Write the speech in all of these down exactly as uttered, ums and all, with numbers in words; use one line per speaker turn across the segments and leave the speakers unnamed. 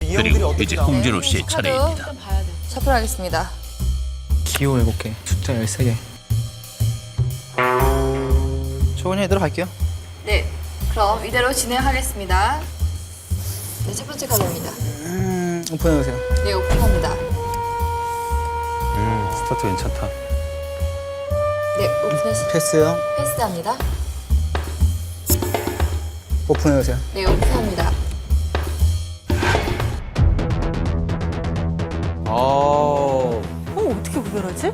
그리고 이제 홍진호 씨의
카드
차례입니다.
좀 봐야 돼. 셔플하겠습니다.
기호 일곱 개, 숫자 열세 개. 저 그냥 이대로 갈게요.
네, 그럼 이대로 진행하겠습니다. 네, 첫 번째 카드입니다.
음, 오픈해주세요.
네, 오픈합니다.
음, 스타트 괜찮다.
네, 오픈해시
패스요.
패스합니다.
오픈해주세요.
네, 오픈합니다.
어.
어, 어떻게 구별하지?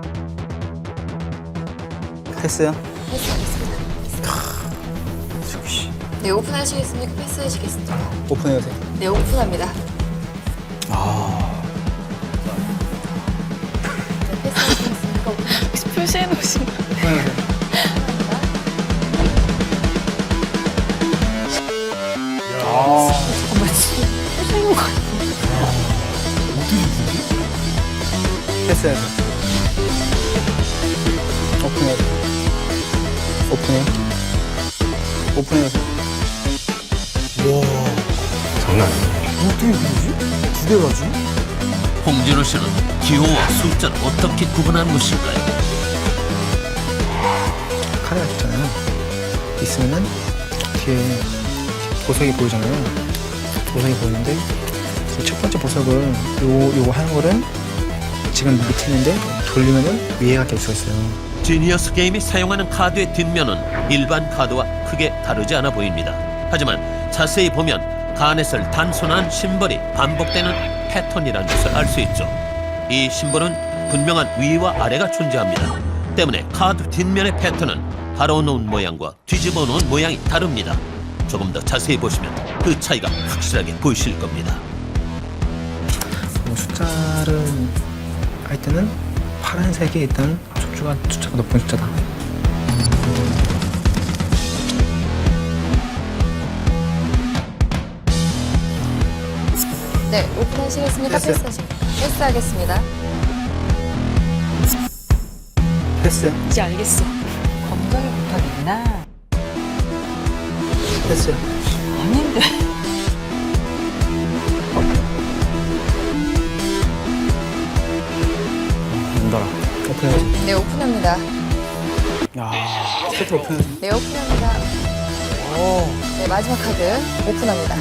패스요.
패스하겠습니다. 네, 오픈하시겠습니까? 패스하시겠습니까?
오픈해주세요.
네, 오픈합니다. 네, 패스하시겠습니까?
혹시 표시해 놓으신 거?
오픈해주세요.
잠깐만, 지금 표시해 놓은 거 아니야?
패스해주세요. 오픈해주세요. 오픈해요. 오픈해주세요.
장난 아니야.
홍진호 씨는 기호와 숫자를 어떻게 구분하는 것일까요?
카드가 있잖아요. 있으면은 뒤에 보석이 보이잖아요. 보석이 보이는데 이 첫 번째 보석을 요 요거 하는 거는 지금 밑에 있는데 돌리면은 위에가 될 수가 있어요.
지니어스 게임이 사용하는 카드의 뒷면은 일반 카드와 크게 다르지 않아 보입니다. 하지만 자세히 보면 가넷을 단순한 심벌이 반복되는 패턴이라는 것을 알 수 있죠. 이 심벌은 분명한 위와 아래가 존재합니다. 때문에 카드 뒷면의 패턴은 갈아놓은 모양과 뒤집어 놓은 모양이 다릅니다. 조금 더 자세히 보시면 그 차이가 확실하게 보이실 겁니다.
뭐 숫자를 할 때는 파란색이 일단 숫자가 숫자가 높은 숫자다.
네, 오픈하시겠습니까?
패스.
패스하시겠습니까? 패스하겠습니다.
패스.
이제 알겠어.
검정이 붙어있구나.
패스.
아닌데.
힘들어.
오픈해주세요.
네, 오픈합니다.
야, 세트 오픈해주세요.
네, 오픈합니다. 네, 마지막 카드 오픈합니다.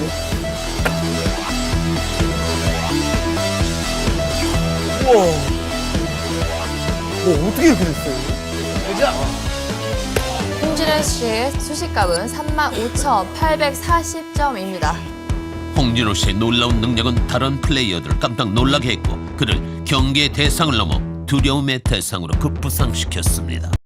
뭐 어떻게 이렇게 됐어요?
홍진호 씨의 수식값은 삼만 오천팔백사십 점입니다.
홍진호 씨의 놀라운 능력은 다른 플레이어들을 깜짝 놀라게 했고 그를 경계의 대상을 넘어 두려움의 대상으로 급부상시켰습니다.